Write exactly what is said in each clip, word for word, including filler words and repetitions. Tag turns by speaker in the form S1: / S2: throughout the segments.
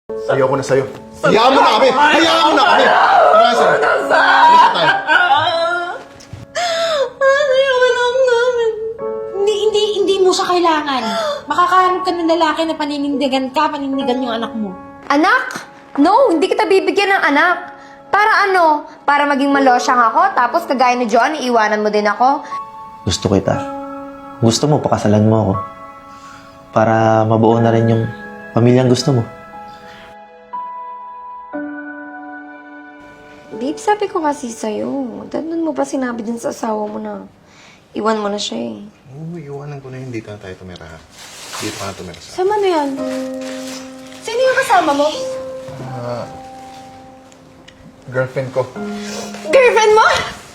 S1: Ayoko na sa'yo. Hayaan mo na kami! Hayaan mo na kami! Tara, sir. Alis na tayo.
S2: Ano yung anak namin?
S3: Hindi, hindi, hindi mo siya kailangan. Makakahanap ka ng lalaki na paninindigan ka, panindigan yung anak mo.
S2: Anak? No, hindi kita bibigyan ng anak. Para ano? Para maging malosyang ako, tapos kagaya ni John, iiwanan mo din ako?
S4: Gusto kita. Gusto mo, pakasalan mo ako. Para mabuo na rin yung pamilyang gusto mo.
S2: Babe, sabi ko kasi sa'yo. Doon mo pa sinabi din sa asawa mo na iwan mo na siya eh.
S1: Oo, iwanan ko na yun. Dito na tayo tumira. Dito ka na tumira sa...
S2: Sama na yan. Sino yung kasama mo?
S1: Ah... girlfriend ko.
S2: Girlfriend mo?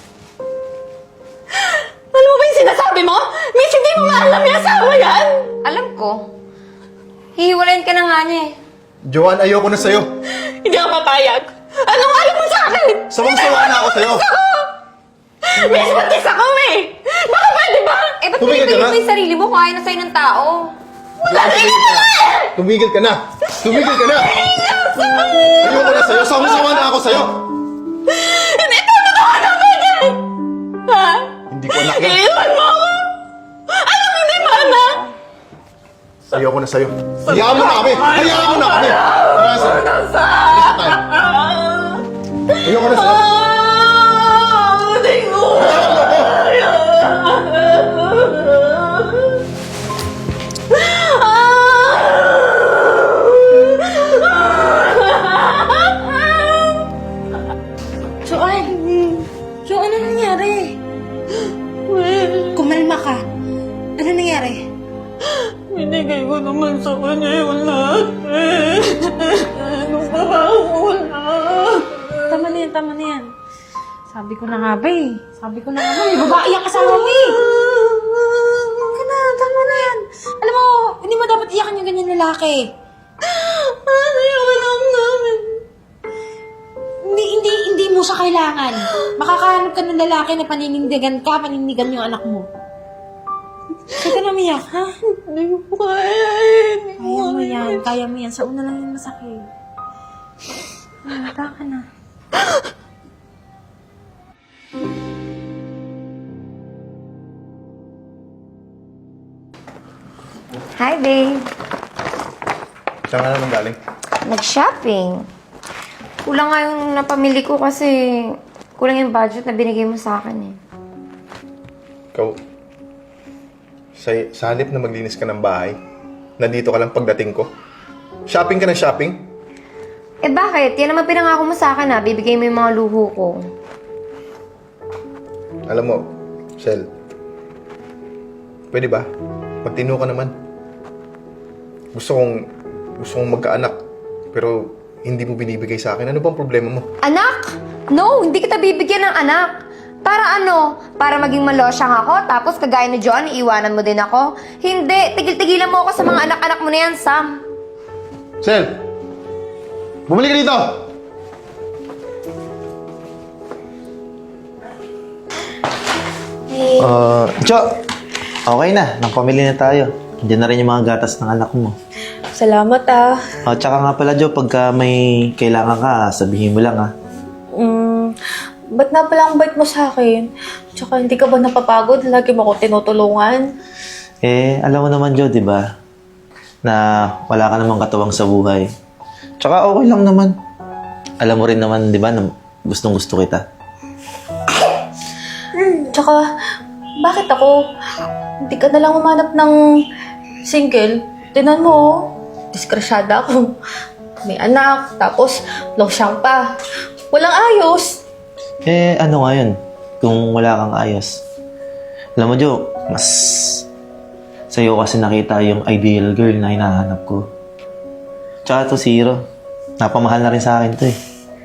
S2: Alam mo ba yung sinasabi mo? Miss, hindi mo maalam yung asawa yan! Alam ko. Hihiwalayin ka na nga niya eh.
S1: Joanne, ayoko na sa'yo.
S2: Hindi ako papayag. Anong alam mo sa akin?
S1: Sawang-sawa na ako sa'yo.
S2: Miss, buntis ako eh! Baka pwede ba? Eh, ba't
S1: Tumigil ka
S2: pinipilit
S1: na.
S2: mo yung sarili mo kung ayaw na sa'yo ng tao? Wala na
S1: Tumigil ka na. Tumigil ka na. Tumigil ka na. Ayoko na sa'yo. Sawang-sawa na ako sa'yo.
S2: Hindi, tama ka anak ka dyan! Ha?
S1: Hindi ko anak yan.
S2: Iiwan mo ako! Alam mo, hindi mo anak!
S1: Ayoko na sa'yo. Hayaan mo na kami. Hayaan mo na kami. Tara, sir. Alis na tayo. Ayoko na sa'yo.
S2: Hindi ko!
S3: Joanne! Joanne, ano nangyari? Kumalma ka. Ano nangyari?
S5: Binigay ko naman sa kanya yung lahat eh. Anong trabaho ko wala?
S3: Tama na yan, tama na yan. Sabi ko na nga ba eh. Sabi ko na nga ba eh. Babae ang kasama mo eh. Huwag ka na, tama na yan. Alam mo, hindi mo dapat iyakan yung ganyan lalaki.
S5: Ano yung anak namin?
S3: Hindi, hindi, hindi mo siya kailangan. Makakahanap ka ng lalaki na paninindigan ka, panindigan yung anak mo. Huwag ka na umiyak, ha?
S5: Hindi ko po kaya eh. Hindi ko
S3: Kaya mo
S5: kaya.
S3: yan, kaya mo yan. Sa una lang yung masakit. Mata ka na.
S2: Hi, babe.
S1: Saan ka naman galing?
S2: Nag-shopping. Kulang nga yung napamili ko kasi kulang yung budget na binigay mo sa akin eh.
S1: Ikaw, sa, sa halip na maglinis ka ng bahay, nandito ka lang pagdating ko. Shopping ka ng shopping?
S2: Eh bakit? Yan naman pinangako mo sa akin ha. Bibigay mo yung mga luho ko.
S1: Alam mo, Sel, pwede ba? Magtino ka naman. Gusto kong, gusto kong magkaanak, pero hindi mo binibigay sa akin. Ano bang problema mo?
S2: Anak? No, hindi kita bibigyan ng anak. Para ano? Para maging malosyang ako, tapos kagaya ni John, iiwanan mo din ako? Hindi, tigil-tigilan mo ako sa mga anak-anak mo na yan, Sam.
S1: Sel! Bumalik ka dito!
S2: Hey.
S4: Uh, Jo! Okay na. Nang-pamili na tayo. Diyan na rin yung mga gatas ng anak mo.
S5: Salamat ah.
S4: Uh, tsaka nga pala, Jo, pagka may kailangan ka, sabihin mo lang, ha?
S5: Mm, ba't na pala ang bait mo sa akin? Tsaka hindi ka ba napapagod? Lagi mo ako tinutulungan.
S4: Eh, alam mo naman, Jo, di ba? Na wala ka namang katuwang sa buhay. Tsaka okay lang naman. Alam mo rin naman, di ba, na gustong-gusto kita.
S5: Tsaka, bakit ako? Hindi ka na lang umanap ng single. Tinan mo, oh. Diskresyada ako. May anak, tapos losyang pa. Walang ayos.
S4: Eh, ano nga yun? Kung wala kang ayos. Alam mo, Jo, mas sa'yo kasi nakita yung ideal girl na hinahanap ko. Tsaka to si Hiro. Napamahal na rin sa akin to eh.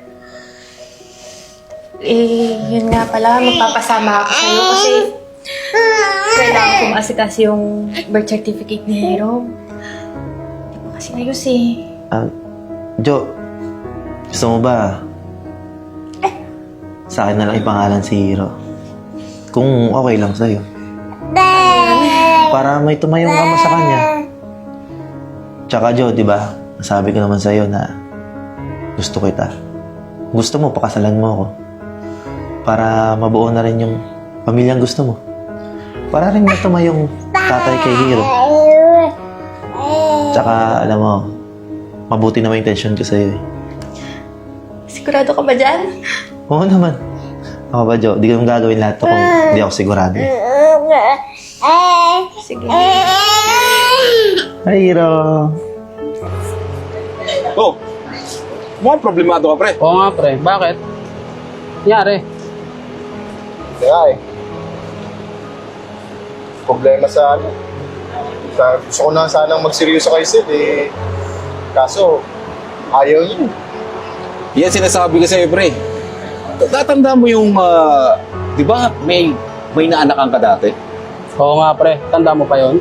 S5: Eh, yun nga pala, magpapasama ako sa'yo kasi kailangan ko maasikas yung birth certificate ni Hero. Hindi ko kasi ayos eh.
S4: Ah, Jo, gusto mo ba? Sa akin na lang ipangalan si Hiro. Kung okay lang sa'yo. Para may tumayong ama sa kanya. Tsaka Jo, di ba? Sabi ko naman sa'yo na gusto kita. Gusto mo, pakasalan mo ako. Para mabuo na rin yung pamilyang gusto mo. Para rin matuma yung tatay kay Hiro. Tsaka, alam mo, mabuti naman yung intention ko sa'yo eh.
S5: Sigurado ka ba dyan?
S4: Oo naman. Ako ba, Jo? Di ko naman gagawin lahat to kung di ako sigurado eh.
S5: Sige.
S4: Hi, Hiro.
S6: Oh, mukhang problemado ka, pre.
S7: Oo nga, pre. Bakit? Nangyari?
S1: Kaya eh. Problema sa ano. Sa, gusto ko na sanang magseryoso kay Sid eh. Kaso, ayaw niya.
S6: Yan sinasabi ko sa'yo, pre. Tatanda mo yung, ah, di ba, may, may naanakan ka dati?
S7: Oo nga, pre. Tanda mo pa yon?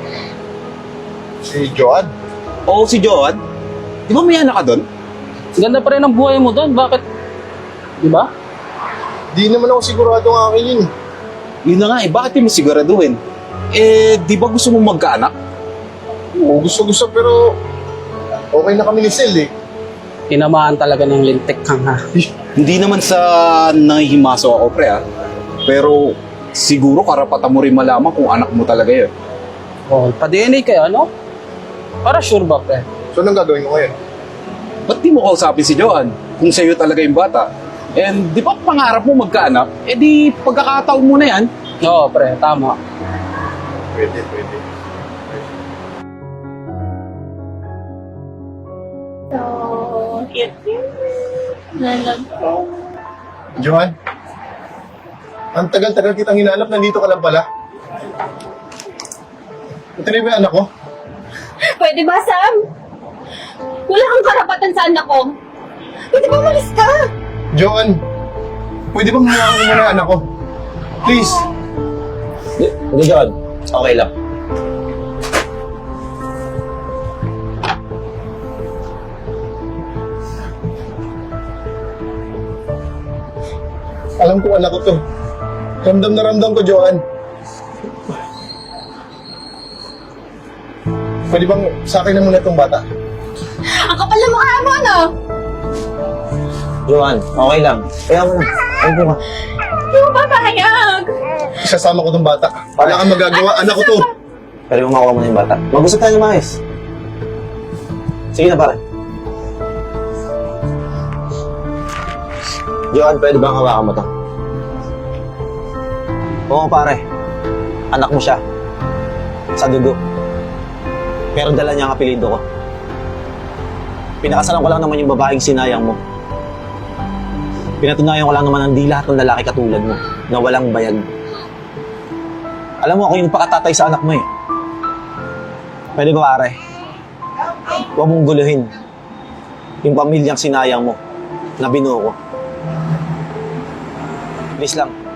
S1: Si Joan.
S6: Oo, si Joan. Di ba may anak ka doon?
S7: Ganda pa rin ang buhay mo doon. Bakit? Di ba?
S1: Di naman ako sigurado ng akin yun.
S6: Yun na nga eh, bakit di mo siguraduhin? Eh, di ba gusto mong magkaanak?
S1: Oo, gusto-gusto pero okay na kami ni Sil eh.
S7: Tinamaan talaga ng lintik kang ha.
S6: Hindi naman sa nangihimaso ako, pre, ah. Pero siguro karapatan mo rin malaman kung anak mo talaga yun.
S7: Oo, pa-D N A kayo, ano? Para sure ba, pre?
S1: So, anong gagawin ko ngayon?
S6: Ba't di mo kausapin si Joan kung sa'yo talaga yung bata? And di ba pangarap mo magkaanak? Eh di pagkakataon mo na yan.
S7: Oo, pre. Tama.
S1: Pwede, pwede. Johan, ang tagal-tagal kitang hinanap, nandito ka lang pala. Ito na ba yung anak ko?
S5: Pwede ba, Sam? Wala kang karapatan sa anak ko. Pwede ba umalis ka?
S1: Johan, pwede bang hawaan mo muna yung anak ko? Please.
S4: Hindi, John. Okay lang.
S1: Alam ko anak ko to. Ramdam na ramdam ko, Johan. Pwede bang sa akin na muna itong bata?
S5: Ang kapal na mukha mo, ano?
S4: Johan, okay lang. Kaya mo na. Ay, mo.
S5: Hindi mo ba pahayag?
S1: Isasama ko itong bata. Wala kang magagawa, anak ko to.
S4: Pero yung makuha mo na yung bata. Mag-usap tayo ng maayos. Sige na, pare. Johan, pwede bang hawakan mo to? Oo, pare. Anak mo siya. Sa dugo. Pero dala niya ang apelido ko. Pinakasalan ko lang naman yung babaeng sinayang mo. Pinatunayan ko lang naman ang di lahat ng lalaki katulad mo na walang bayag. Alam mo, ako yung pakatatay sa anak mo eh. Pwede ba, pare? Huwag mong guluhin yung pamilyang sinayang mo na binuo ko. Please lang.